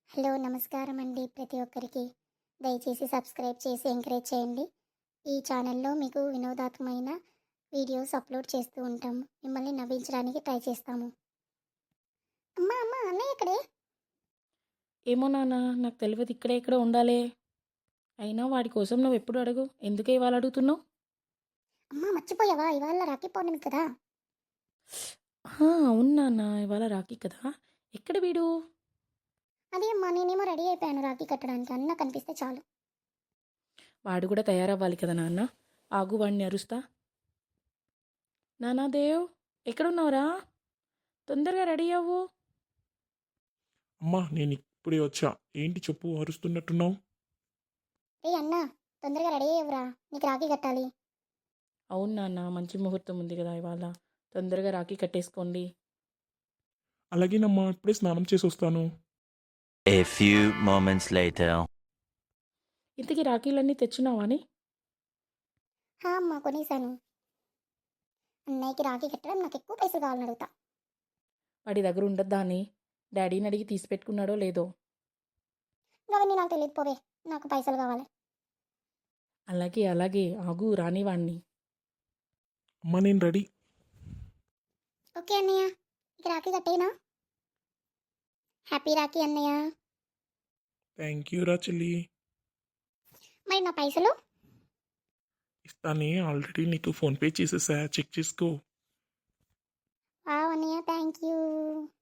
Hello నమస్కారం అండి ప్రతి ఒక్కరికి. దయచేసి సబ్స్క్రైబ్ చేసి ఎంకరేజ్ చేయండి. ఈ ఛానల్లో మీకు వినోదాత్మకమైన వీడియోస్ అప్లోడ్ చేస్తూ ఉంటాము. మిమ్మల్ని నవ్వించడానికి ట్రై చేస్తాము. అమ్మా అమ్మ అన్నయ్య ఇక్కడే. ఏమో నాన్న, నాకు తెలియదు, ఇక్కడే ఎక్కడో ఉండాలే. అయినా వాడి కోసం నువ్వు ఎప్పుడు అడుగు, ఎందుకే ఇవాళ అడుగుతున్నావు? అమ్మ మర్చిపోయావా, ఇవాళ రాఖీ పౌర్ణమి కదా. అవును నాన్న, ఇవాళ రాఖీ కదా. ఎక్కడ వీడు? అదే అమ్మా, నేనేమో రెడీ అయిపోయాను రాఖీ కట్టడానికి. అన్న కనిపిస్తే చాలు. వాడు కూడా తయారవ్వాలి కదా నాన్న. ఆగు, వాడిని అరుస్తా. నానా దేవ్, ఎక్కడున్నావురా? తొందరగా రెడీ అవ్వు. అమ్మా నేను ఇప్పుడే వచ్చా. ఏంటి చెప్పు, అరుస్తున్నట్టున్నావు? ఏ అన్న, తొందరగా రెడీ అయ్యవురా, నీకు రాఖీ కట్టాలి. అవును నాన్న, మంచి ముహూర్తం ఉంది కదా ఇవాళ. తొందరగా రాఖీ కట్టేసుకోండి. అలాగేనమ్మా, ఇప్పుడే స్నానం చేసి వస్తాను. A few moments later. ఇంతకీ రాఖీలన్నీ తెచ్చున్నావా అని? అమ్మ కొనేసాను. అన్నయ్యకి రాఖీ కట్టడం నాకు ఎక్కువ పైసలు కావాలని అడుగుతా. వాడి దగ్గర ఉండద్దా అని డాడీని అడిగి తీసి పెట్టుకున్నాడో లేదో. అవన్నీ నాకు తెలియదు, పోవే. నాకు పైసలు కావాలి. అలాగే అలాగే, ఆగు రాని వాణ్ణి. అమ్మా నేను రెడీ. ఓకే అన్నయ్య, ఇక రాఖీ కట్టేనా? హ్యాపీ రాఖీ అన్నయ్య. థ్యాంక్ యూ రా చెల్లి. మరి నా పైసలు? ఇస్తానే, ఆల్రెడీ నీకు ఫోన్పే చేసేసా, చెక్ చేసుకో. అన్నయ్య థ్యాంక్ యూ.